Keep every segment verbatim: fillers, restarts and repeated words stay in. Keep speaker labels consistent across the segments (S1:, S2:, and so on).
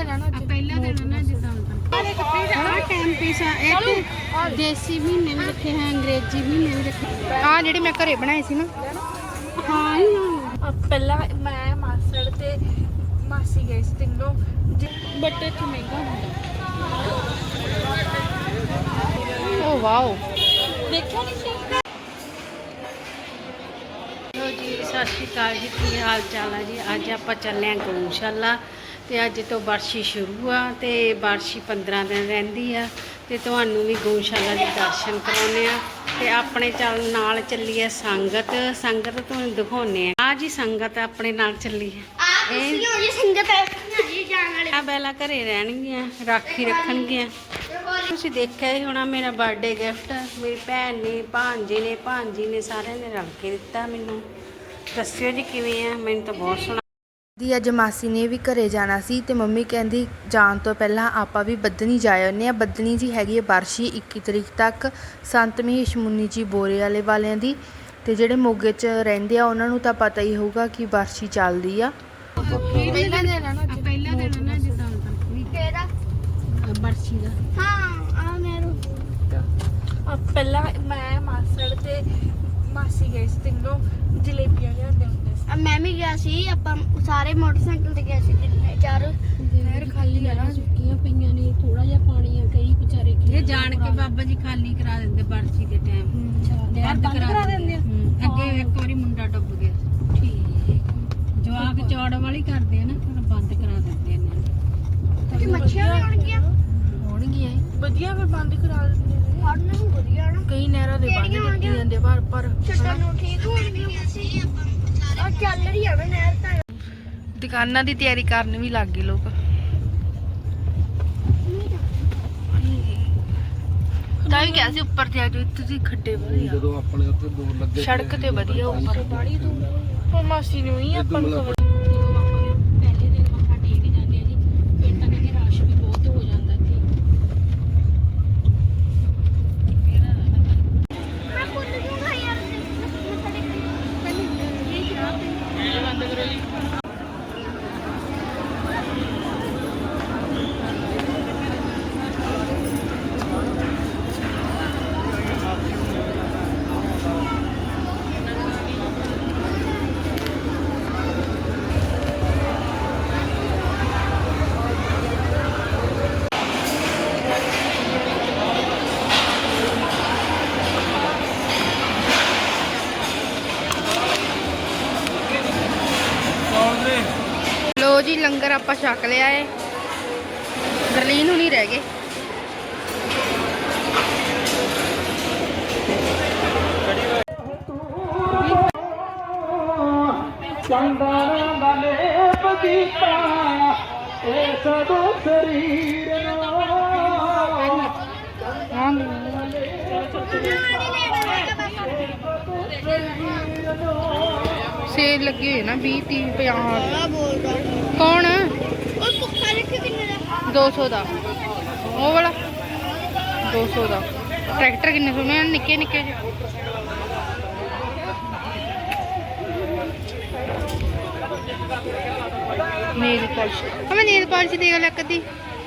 S1: ਪਹਿਲਾ ਦਿਨ ਨਾ ਜਿੱਦਾਂ ਹੁੰਦਾ ਟਾਈਮ ਪੀਸ ਆ ਇੱਕ ਦੇਸੀ ਮਹੀਨੇ ਵੀ ਰੱਖੇ ਹੈ ਅੰਗਰੇਜ਼ੀ ਮਹੀਨੇ ਵੀ ਰੱਖੇ ਆ ਜਿਹੜੇ ਮੈਂ ਘਰੇ ਬਣਾਏ ਸੀ ਨਾ। ਹਾਂ ਹੀ
S2: ਪਹਿਲਾਂ ਮੈਂ ਮਾਸੜ ਤੇ ਮਾਸੀ ਗਏ ਸੀ ਤਿੰਨੋਂ
S1: ਬਟ ਇੱਥੇ ਮਹਿੰਗਾ ਹੁੰਦਾ। ਓ ਵਾਓ
S2: ਦੇਖਿਆ ਨਹੀਂ ਸੀ।
S1: ਲੋ ਜੀ ਸਤਿ ਸ਼੍ਰੀ ਅਕਾਲ ਜੀ, ਕੀ ਹਾਲ ਚਾਲ ਹੈ ਜੀ। ਅੱਜ ਆਪਾਂ ਚੱਲੇ ਹਾਂ ਗਊਸ਼ਾਲਾ ਤੇ ਅੱਜ ਤੋਂ ਬਾਰਸ਼ੀ ਸ਼ੁਰੂ ਆ ਤੇ ਬਾਰਸ਼ੀ ਪੰਦਰਾਂ ਦਿਨ ਰਹਿੰਦੀ ਆ ਤੇ ਤੁਹਾਨੂੰ ਵੀ ਗਊਸ਼ਾਲਾ ਦੇ ਦਰਸ਼ਨ ਕਰਾਉਣੇ ਆ ਤੇ ਆਪਣੇ ਚੱਲ ਨਾਲ ਚੱਲੀ ਹੈ ਸੰਗਤ। ਸੰਗਤ ਤੁਹਾਨੂੰ ਦਿਖਾਉਣੇ ਆ। ਆ ਜੀ ਸੰਗਤ ਆਪਣੇ ਨਾਲ ਚੱਲੀ ਹੈ। ਇਹ
S2: ਸੰਗਤ
S1: ਆ ਬੈਲਾ ਘਰੇ ਰਹਿਣਗੀਆਂ, ਰਾਖੀ ਰੱਖਣਗੀਆਂ। ਤੁਸੀਂ ਦੇਖਿਆ ਹੀ ਹੋਣਾ ਮੇਰਾ ਬਰਥਡੇ ਗਿਫਟ ਮੇਰੀ ਭੈਣ ਨੇ, ਭਾਂਜੀ ਨੇ, ਭਾਂਜੀ ਨੇ ਸਾਰਿਆਂ ਨੇ ਰਲ ਕੇ ਦਿੱਤਾ ਮੈਨੂੰ। ਦੱਸਿਓ ਜੀ ਕਿਵੇਂ ਆ। ਮੈਨੂੰ ਤਾਂ ਬਹੁਤ ਸੋਹਣਾ
S3: ਦੀ ਅੱਜ ਮਾਸੀ ਨੇ ਵੀ ਘਰੇ ਜਾਣਾ ਸੀ ਤੇ ਮੰਮੀ ਕਹਿੰਦੀ ਜਾਣ ਤੋਂ ਪਹਿਲਾਂ ਆਪਾਂ ਵੀ ਬੱਧਨੀ ਜਾ ਆਉਂਦੇ ਆ। ਬੱਧਨੀ ਜੀ ਹੈਗੀ ਹੈ ਬਾਰਸ਼ੀ ਇੱਕੀ ਤਰੀਕ ਤੱਕ, ਸੰਤ ਮਹੇਸ਼ ਮੁੰਨੀ ਜੀ ਬੋਰੇ ਵਾਲੇ ਵਾਲਿਆਂ ਦੀ। ਤੇ ਜਿਹੜੇ ਮੋਗੇ 'ਚ ਰਹਿੰਦੇ ਆ ਉਹਨਾਂ ਨੂੰ ਤਾਂ ਪਤਾ ਹੀ ਹੋਊਗਾ ਕਿ ਬਾਰਸ਼ੀ ਚੱਲਦੀ ਆ।
S1: ਪਹਿਲਾ ਦਿਨ ਆ ਨਾ ਪਹਿਲਾ ਦਿਨ ਨਾ ਜਿੱਦਾਂ
S2: ਕਿਹੜਾ
S1: ਬਰਸ਼ੀ ਦਾ।
S2: ਹਾਂ ਆ ਮੈਨੂੰ ਪਹਿਲਾਂ ਮੈਂ ਮਾਸੜ ਤੇ ਮਾਸੀ ਗਏ ਸੀ ਤਿੰਨੋਂ ਜਲੇਬੀਆਂ ਲਿਆਉਂਦੇ ਹੁੰਦੇ ਸੀ।
S4: ਮੈਂ ਵੀ ਗਿਆ ਸੀ। ਆਪਾਂ ਸਾਰੇ ਮੋਟਰਸਾਈਕਲ ਤੇ ਗਏ ਸੀ ਤਿੰਨੇ ਚਾਰ।
S1: ਨਹਿਰ ਖਾਲੀ ਆ ਨਾ, ਸੁੱਕੀਆਂ ਪਈਆਂ ਨੇ, ਥੋੜਾ ਜਿਹਾ ਪਾਣੀ ਆ। ਕਈ ਵਿਚਾਰੇ ਇਹ ਜਾਣ ਕੇ ਬਾਬਾ ਜੀ ਖਾਲੀ ਕਰਾ ਦਿੰਦੇ ਬਰਸ਼ੀ ਦੇ ਟਾਈਮ। ਨਹਿਰ ਬੰਦ ਕਰਾ ਦਿੰਦੇ ਆ। ਅੱਗੇ ਇੱਕ ਵਾਰੀ ਮੁੰਡਾ ਡੁੱਬ ਗਿਆ ਸੀ। ਠੀਕ ਜਵਾਕ ਚੌੜ ਵਾਲੀ ਕਰਦੇ ਆ ਨਾ, ਫਿਰ ਬੰਦ ਕਰਾ ਦਿੰਦੇ ਨੇ।
S4: ਤੇ ਮੱਛੀਆਂ ਵੀ ਆਉਣਗੀਆਂ
S1: ਹੋਣਗੀਆਂ
S2: ਵਧੀਆ ਫਿਰ ਬੰਦ ਕਰਾ ਦਿੰਦੇ ਨੇ।
S4: ਫੜਨ ਨੂੰ ਵਧੀਆ ਨਾ।
S3: ਕਈ ਨਹਿਰਾਂ ਦੇ ਬੰਦ ਦਿੱਤੀ ਜਾਂਦੇ ਪਰ ਪਰ
S4: ਛੱਡਣ ਨੂੰ ਠੀਕ ਹੋਣਗੀਆਂ। ਆ ਚੱਲ ਰਹੀ ਆ ਨਹਿਰ ਤਾਂ।
S3: ਦੁਕਾਨਾਂ ਦੀ ਤਿਆਰੀ ਕਰਨ ਵੀ ਲੱਗ ਗਏ ਲੋਕ। ਤਾਂ ਵੀ ਕਿਹਾ ਸੀ ਉੱਪਰ ਤੇ ਆ ਜਾਓ, ਇੱਥੇ ਦੀ ਖੱਡੇ ਬੜੇ ਆ।
S5: ਜਦੋਂ ਆਪਣੇ ਉੱਥੇ ਦੂਰ ਲੱਗੇ
S3: ਸੜਕ ਤੇ ਵਧੀਆ ਉੱਪਰ
S2: ਬਾੜੀ ਦੂਰ ਹੁਣ ਮਾਸੀ ਨੂੰ ਹੀ ਆਪਾਂ ਨੂੰ ਖਬਰ।
S1: ਪਹਿਲੇ ਦਿਨ ਮੱਥਾ ਟੇਕ ਜਾਂਦੇ ਆ ਜੀ। ਫਿਰ ਤਾਂ ਕਹਿੰਦੇ ਰਸ਼ ਵੀ ਬਹੁਤ ਹੋ ਜਾਂਦਾ ਇੱਥੇ।
S4: ਮੈਂ ਖੁਦ ਜੂਗਾ ਯਾਰ।
S3: ਲੋ ਜੀ ਲੰਗਰ ਆਪਾਂ ਛਕ ਲਿਆ ਏ। ਗਰਲੀਨ ਹੁਣੀ ਰਹਿ ਗਏ।
S5: ਚੰਦਨ ਵਾਲੇ ਬਦੀਪਾ ਇਹ ਸਦੋ ਸਰੀਰ
S3: ਸੇਲ ਲੱਗੇ ਹੋਏ ਨਾ ਵੀਹ ਤੀਹ ਪੰਜਾਹ।
S4: ਆ ਬੋਲਦਾ
S3: ਕੌਣ?
S4: ਉਹ ਭੁੱਖਾ ਲਿਖ ਕਿੰਨੇ ਦਾ?
S3: ਦੋ ਸੌ ਦਾ ਉਹ ਵਾਲਾ ਦੋ ਸੌ ਦਾ। ਟਰੈਕਟਰ ਕਿੰਨੇ ਸੋਹਣੇ ਆ, ਨਿੱਕੇ ਨਿੱਕੇ ਜਿਹੇ। ਨੇਲ ਪਾਲਿਸ਼ ਆ। ਮੈਂ ਨੇਲ ਪਾਲਿਸ਼ ਦੇਖ ਲਿਆ ਕਦੀ।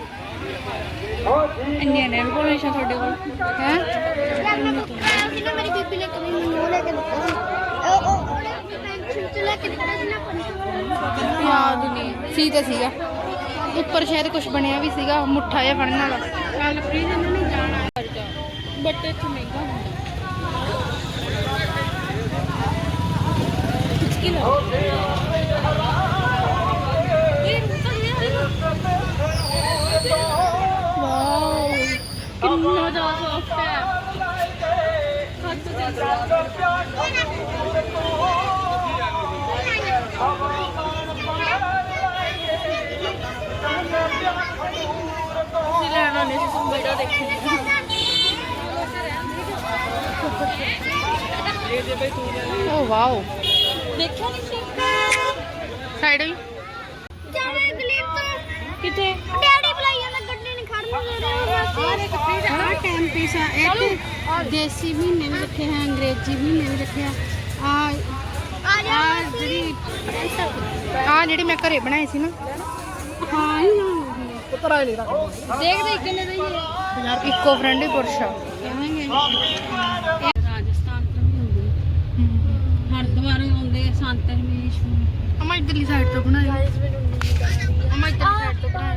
S2: ਇੰਨੀਆਂ ਨੇਲ ਪਾਲਿਸ਼ਾਂ ਤੁਹਾਡੇ ਕੋਲ
S3: ਹੈ
S4: ਯਾਰ ਮੈਂ ਭੁੱਖਾ ਸੀ ਨਾ, ਮੇਰੀ ਬੀਬੀ ਨੇ ਕਦੀ ਮੈਨੂੰ ਉਹ ਲੈ ਕੇ ਦਿੱਤਾ ਸੀ। ਉਹ ਉਹ ਪੈਨਸ਼ਨ ਚ ਲੈ ਕੇ ਦਿੱਤਾ ਸੀ ਨਾ ਪੰਜ।
S3: ਯਾਦ ਨਹੀਂ ਸੀ ਤਾਂ ਸੀਗਾ ਉੱਪਰ ਸ਼ਾਇਦ ਕੁਝ ਬਣਿਆ ਵੀ ਸੀਗਾ ਮੁੱਠਾ ਜਿਹਾ ਫੜਨ ਵਾਲਾ।
S1: ਕੱਲ ਫ੍ਰੀਜ ਇਹਨਾਂ ਨੇ ਜਾਣਾ ਬਟ ਇੱਥੇ ਮਹਿੰਗਾ ਹੁੰਦਾ।
S2: ਵਾਓ ਕਿੰਨਾ ਜ਼ਿਆਦਾ ਸੌਫਟ ਹੈ। ਹੱਥ ਤੇ ਲੈਣਾ ਨਹੀਂ ਸੀ ਬੜਾ ਦੇਖੀ।
S3: ਓ ਵਾਓ
S2: ਦੇਖਿਆ ਨਹੀਂ ਸੀ।
S3: ਸਾਈਡ ਵੀ
S4: ਜਾਣੇ ਗਲੀਬ ਤੋਂ
S2: ਕਿਤੇ
S4: ਡੈਡੀ ਬੁਲਾਈ ਜਾਂਦਾ, ਗੱਡੀ ਨਹੀਂ ਖੜਨ ਦੇ ਰਹੇ।
S1: ਆ ਟਾਈਮ ਪੀਸ ਆ ਇੱਕ ਦੇਸੀ ਮਹੀਨੇ ਵੀ ਰੱਖੇ ਹੈ ਅੰਗਰੇਜ਼ੀ ਮਹੀਨੇ ਵੀ ਰੱਖੇ ਆ। ਆ
S4: ਆ ਜਾ
S1: ਆ ਜਿਹੜੀ
S3: ਆ ਜਿਹੜੀ ਮੈਂ ਘਰੇ ਬਣਾਈ ਸੀ ਨਾ।
S1: ਹਾਂ ਹੀ
S5: ਉਤਰਾ ਹੀ ਨਹੀਂ ਰੱਖ
S2: ਦੇਖਦੇ ਕਿੰਨੇ ਦਾ ਹੀ
S3: ਇਕੋ ਫਰੈਂਡਲੀ ਪੁਰਸ਼ਾ
S1: ਰਾਜਸਥਾਨ ਤੋਂ ਵੀ ਹੁੰਦੇ ਹਰਿਦੁਆਰ ਆਉਂਦੇ ਆ ਸੰਤ ਰਮੇਸ਼
S3: ਅਮਾ ਇਧਰਲੀ ਸਾਈਡ ਤੋਂ ਬਣਾਇਆ ਅਮਾ ਇਧਰਲੀ ਸਾਈਡ ਤੋਂ ਬਣਾਇਆ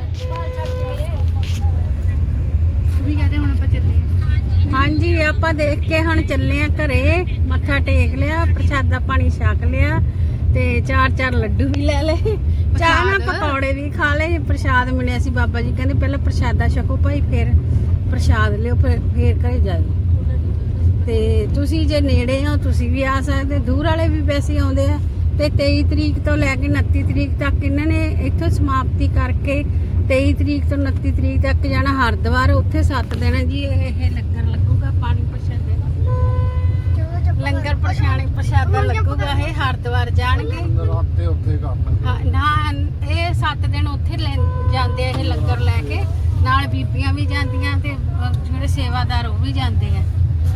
S3: ਵੀ ਕਹਦੇ ਹੁਣ ਆਪਾਂ ਚੱਲੇ ਆ।
S1: ਹਾਂਜੀ ਆਪਾਂ ਦੇਖ ਕੇ ਹੁਣ ਚੱਲੇ ਆ ਘਰੇ ਮੱਥਾ ਟੇਕ ਲਿਆ ਪ੍ਰਸ਼ਾਦਾ ਪਾਣੀ ਛਕ ਲਿਆ ਤੇ ਚਾਰ ਚਾਰ ਲੱਡੂ ਵੀ ਲੈ ਲਏ ਚਾਹ ਨਾਲ ਪਕੌੜੇ ਵੀ ਖਾ ਲਏ ਪ੍ਰਸ਼ਾਦ ਮਿਲਿਆ ਸੀ ਬਾਬਾ ਜੀ ਕਹਿੰਦੇ ਪਹਿਲਾਂ ਪ੍ਰਸ਼ਾਦਾ ਛਕੋ ਭਾਈ ਫਿਰ ਪ੍ਰਸ਼ਾਦ ਲਿਓ ਫਿਰ ਫੇਰ ਘਰੇ ਜਾਓ ਤੇ ਤੁਸੀਂ ਜੇ ਨੇੜੇ ਹੋ ਤੁਸੀਂ ਵੀ ਆ ਸਕਦੇ ਦੂਰ ਵਾਲੇ ਵੀ ਵੈਸੇ ਆਉਂਦੇ ਆ ਤੇ ਤੇਈ ਤਰੀਕ ਤੋਂ ਲੈ ਕੇ ਉਨੱਤੀ ਤਰੀਕ ਤੱਕ ਇਹਨਾਂ ਨੇ ਇੱਥੋਂ ਸਮਾਪਤੀ ਕਰਕੇ ਤੇਈ ਤਰੀਕ ਤੋਂ ਉਨੱਤੀ ਤਰੀਕ ਤੱਕ ਜਾਣਾ ਹਰਿਦੁਆਰ ਉੱਥੇ ਸੱਤ ਦਿਨ ਜੀ ਇਹ ਲੰਗਰ ਲੱਗੂਗਾ ਪਾਣੀ ਪ੍ਰਸ਼ਾਦੇ ਲੰਗਰ ਪ੍ਰਸ਼ਾਣੇ ਪ੍ਰਸ਼ਾਦਾ ਲੱਗੂਗਾ ਇਹ ਹਰਿਦੁਆਰ ਜਾਣਗੇ
S5: ਰਾਤੇ ਉੱਥੇ ਕਰਨਾ
S1: ਹਾਂ, ਨਾ ਇਹ ਸੱਤ ਦਿਨ ਉੱਥੇ ਲੈ ਜਾਂਦੇ ਆ ਇਹ ਲੰਗਰ ਲੈ ਕੇ ਨਾਲ ਬੀਬੀਆਂ ਵੀ ਜਾਂਦੀਆਂ ਤੇ ਅਹ, ਜਿਹੜੇ ਸੇਵਾਦਾਰ ਉਹ ਵੀ ਜਾਂਦੇ ਆ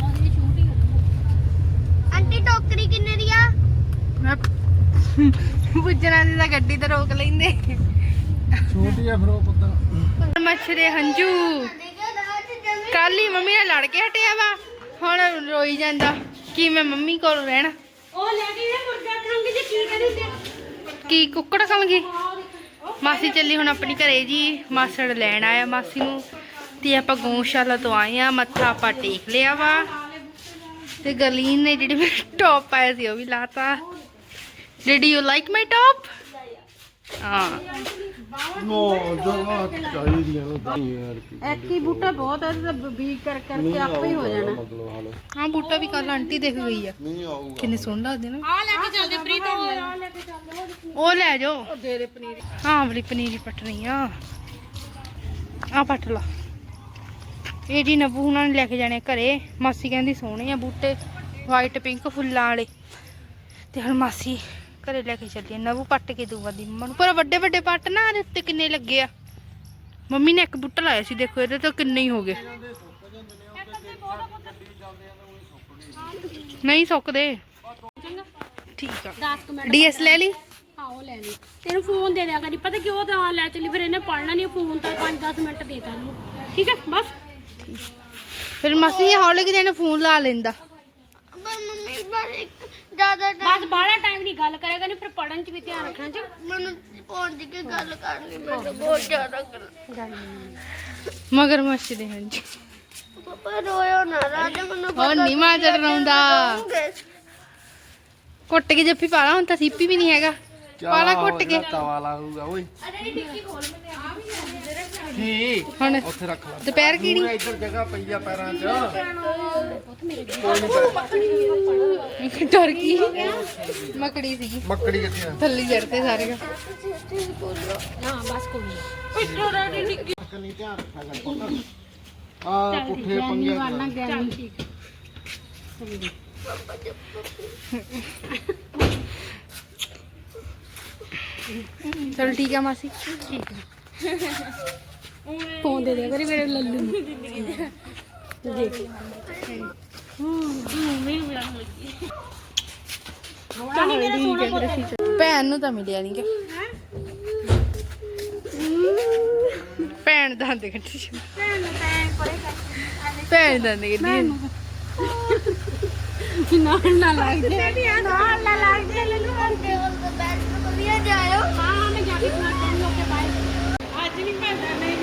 S4: ਆਂਟੀ ਟੋਕਰੀ ਕਿੰਨੇ ਦੀ ਆ
S3: ਮੈਂ ਪੁੱਜਣਾ ਦੀ ਤਾਂ ਗੱਡੀ ਤੇ ਰੋਕ ਲੈਂਦੇ
S5: ਛੋਟੀ ਆ ਫਿਰ ਉਹ ਪੁੱਤ
S3: ਮੱਛਰੇ ਹੰਝੂ ਕੱਲ ਹੀ ਮੰਮੀ ਨਾਲ ਲੜ ਕੇ ਹਟਿਆ ਵਾ ਹੁਣ ਰੋਈ ਜਾਂਦਾ ਕਿ ਮੈਂ ਮੰਮੀ ਕੋਲ ਰਹਿਣਾ
S1: ਉਹ ਲੈ ਕੇ ਮੁਰਗਾ ਖਾਂਗੇ ਜੇ ਕੀ ਕਰੀਂਦੇ
S3: ਕੀ ਕੁੱਕੜ ਖਾਵਾਂਗੀ ਮਾਸੀ ਚੱਲੀ ਹੁਣ ਆਪਣੀ ਘਰੇ ਜੀ ਮਾਸੜ ਲੈਣ ਆਇਆ ਮਾਸੀ ਨੂੰ ਤੇ ਆਪਾਂ ਗਊਸ਼ਾਲਾ ਤੋਂ ਆਏ ਆ ਮੱਥਾ ਆਪਾਂ ਟੇਕ ਲਿਆ ਵਾ ਤੇ ਗਰਲੀਨ ਨੇ ਜਿਹੜੀ ਮੇਰਾ ਟੌਪ ਪਾਇਆ ਸੀ ਉਹ ਵੀ ਲਾਤਾ did you like my top ਹਾਂ
S5: ਨੋ ਜਗ੍ਹਾ ਚਾਹੀਦੀ ਆ ਨਾ ਯਾਰ ਕੀ
S1: ਇੱਕ ਹੀ ਬੂਟਾ ਬਹੁਤ ਹੈ ਤੇ ਬੀਜ ਕਰ ਕਰਕੇ ਆਪੇ ਹੀ ਹੋ ਜਾਣਾ
S5: ਮਤਲਬ ਹਾਲ
S3: ਹਾਂ ਬੂਟਾ ਵੀ ਕੱਲ ਆਂਟੀ ਦੇਖ ਗਈ ਆ
S5: ਨਹੀਂ ਆਊਗਾ
S3: ਕਿੰਨੇ ਸੋਹਣੇ ਲੱਗਦੇ ਨਾ
S1: ਆ ਲੈ ਕੇ ਚੱਲਦੇ ਪ੍ਰੀਤ ਆ ਲੈ ਕੇ ਚੱਲਦੇ
S3: ਉਹ ਲੈ ਜਾਓ
S1: ਦੇ ਦੇ ਪਨੀਰ
S3: ਹਾਂ ਵਾਲੀ ਪਨੀਰੀ ਪਟਣੀ ਆ ਆ ਪੱਟ ਲਾ ਇਹ ਜੀ ਨਬੂ ਹੁਣਾਂ ਨੇ ਲੈ ਕੇ ਜਾਣੇ ਘਰੇ ਮਾਸੀ ਕਹਿੰਦੀ ਸੋਹਣੇ ਆ ਬੂਟੇ ਵਾਈਟ ਪਿੰਕ ਫੁੱਲਾਂ ਵਾਲੇ ਤੇ ਹੁਣ ਮਾਸੀ ਘਰੇ ਲੈ ਕੇ ਚੱਲੀ ਨਬੂ ਪੱਟ ਕੇ ਦੂਗਾ ਦੀ ਮੰਮਾ ਨੂੰ ਪਰ ਵੱਡੇ ਵੱਡੇ ਪੱਟ ਨਾ ਇਹਦੇ ਉੱਤੇ ਕਿੰਨੇ ਲੱਗੇ ਆ ਮੰਮੀ ਨੇ ਇੱਕ ਬੂਟਾ ਲਾਇਆ ਸੀ ਦੇਖੋ ਇਹਦੇ ਤੋਂ ਕਿੰਨੇ ਹੀ ਹੋ ਗਏ ਨਹੀਂ ਸੁੱਕਦੇ ਠੀਕ ਆ
S1: ਦਸ ਕੁ ਮਿੰਟ
S3: ਡੀਐਸ ਲੈ ਲਈ
S1: ਹਾਂ ਉਹ ਲੈ ਲਈ ਤੈਨੂੰ ਫੋਨ ਦੇ ਦਿਆ ਕਰੀ ਪਤਾ ਕਿਉਂ ਤਾਂ ਲੈ ਚੱਲੀ ਫਿਰ ਇਹਨੇ ਪੜਨਾ ਨਹੀਂ ਫੋਨ ਤਾਂ ਪੰਜ ਦਸ ਮਿੰਟ ਦੇ ਤਾ ਇਹਨੂੰ ਠੀਕ ਹੈ ਬਸ
S3: ਫਿਰ ਮਾਸੀ ਹੌਲੇ ਕਿ ਦੇਣੇ ਫੋਨ ਲਾ ਲੈਂਦਾ
S4: ਪਰ ਮੰਮੀ ਬਸ ਇੱਕ ਜ਼ਿਆਦਾ
S1: ਬਸ ਬਾਹਲਾ ਟਾਈਮ ਦੀ ਗੱਲ ਕਰੇਗਾ ਨਹੀਂ ਫਿਰ ਪੜਨ 'ਚ ਵੀ ਧਿਆਨ ਰੱਖਣਾ ਚ
S4: ਮੈਨੂੰ ਫੋਨ ਦੀ ਕੀ ਗੱਲ ਕਰਨੀ ਮੈਨੂੰ ਬਹੁਤ ਜ਼ਿਆਦਾ ਗੱਲ
S3: ਮਗਰ ਮੱਛੀ ਦੇ ਹਾਂ ਜੀ
S4: ਪਾਪਾ ਰੋਇਓ ਨਾ ਰਾਜਾ ਮੈਨੂੰ
S3: ਹੋਰ ਨਹੀਂ ਮਾਂ ਚੜਾਉਂਦਾ ਕੁੱਟ ਕੇ ਜੱਫੀ ਪਾਲਾ ਹੁਣ ਤਾਂ ਸੀਪੀ ਵੀ ਨਹੀਂ ਹੈਗਾ ਪਾਲਾ ਕੁੱਟ ਕੇ
S5: ਤਵਾ ਲਾਊਗਾ ਓਏ ਕੀ
S3: ਹੁਣ
S5: ਉੱਥੇ ਰੱਖ ਲੈ
S3: ਦੁਪਹਿਰ ਕਿਹੜੀ
S5: ਇੱਧਰ ਜਗ੍ਹਾ ਪਈ ਆ ਪੈਰਾਂ 'ਚ
S3: ਡਰ ਗਈ ਮਕੜੀ ਸੀਗੀ
S5: ਮੱਕੜੀ ਕਿੱਥੇ ਆ
S3: ਥੱਲੇ ਜੜਤੇ ਸਾਰੇ
S1: ਹਾਂ ਬਸ ਕੋਈ ਨਹੀਂ
S5: ਕੰਨੀ ਧਿਆਨ ਰੱਖਿਆ ਕਰ ਪੁੱਤ ਆ ਪੁੱਠੇ ਪੰਗੇ
S1: ਵਾਲਾ ਗਿਆ ਠੀਕ
S3: ਚਲ ਠੀਕ ਆ ਮਾਸੀ
S1: ਠੀਕ ਹੈ ਫੋਨ ਦੇ ਦੇ ਕਰੀ ਮੇਰੇ ਲੱਲੂ ਨੂੰ ਦੇਖ ਚਾਲੀ ਮੇਰਾ ਸੋਹਣਾ ਪੁੱਤ
S3: ਭੈਣ ਨੂੰ ਤਾਂ ਮਿਲਿਆ ਨਹੀਂ ਕਿ ਭੈਣ ਦਾ ਦੇ ਕੱਢੀ ਭੈਣ ਦਾ ਦੇ ਕੱਢੀ
S1: ਨਾਲ ਨਾ ਲੱਗ ਜੇ
S4: ਨਾਲ ਨਾ ਲੱਗ ਜੇ ਲੱਲੂ ਅੰਦੇ ਉਹ ਬੈਠ ਕੇ ਵਧੀਆ ਜਾਇਓ
S1: ਹਾਂ ਮੈਂ ਜਾ ਕੇ ਮਾਰ ਦੇ ਓਕੇ ਬਾਏ ਅੱਜ ਨਹੀਂ ਪੈਂਦਾ ਨਹੀਂ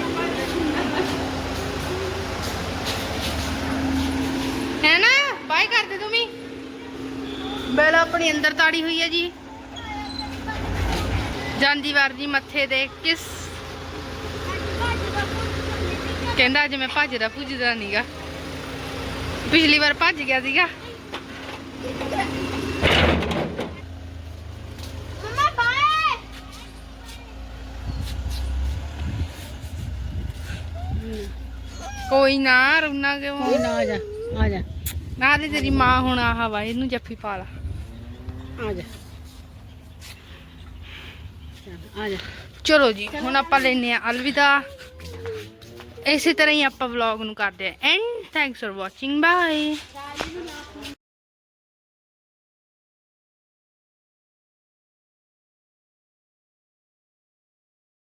S3: ਹੈ ਨਾ ਬਾਏ ਕਰ ਦੇ ਤੂੰ ਵੀ ਬੈਲ ਆਪਣੀ ਅੰਦਰ ਤਾੜੀ ਹੋਈ ਹੈ ਜੀ ਜਾਂਦੀ ਵਾਰ ਜੀ ਮੱਥੇ ਦੇ ਕਿਸ ਕਹਿੰਦਾ ਅੱਜ ਮੈਂ ਭੱਜਦਾ ਭੁੱਜਦਾ ਨਹੀਂਗਾ ਪਿਛਲੀ ਵਾਰ ਭੱਜ ਗਿਆ ਸੀਗਾ
S4: ਮਮਾ ਬਾਏ
S3: ਕੋਈ ਨਾ ਰੋਣਾ ਕਿਉਂ
S1: ਕੋਈ ਨਾ ਆ ਜਾ ਆ ਜਾ
S3: ਨਾ ਤੇ ਤੇਰੀ ਮਾਂ ਹੁਣ ਆਹ ਵਾ ਇਹਨੂੰ ਜੱਫੀ ਪਾ ਲਾ
S1: ਆ ਜਾ ਆ ਜਾ
S3: ਚਲੋ ਜੀ ਹੁਣ ਆਪਾਂ ਲੈਨੇ ਆ ਅਲਵਿਦਾ ਇਸੇ ਤਰ੍ਹਾਂ ਹੀ ਆਪਾਂ ਵਲੌਗ ਨੂੰ ਕਰਦੇ ਆ and thanks for watching bye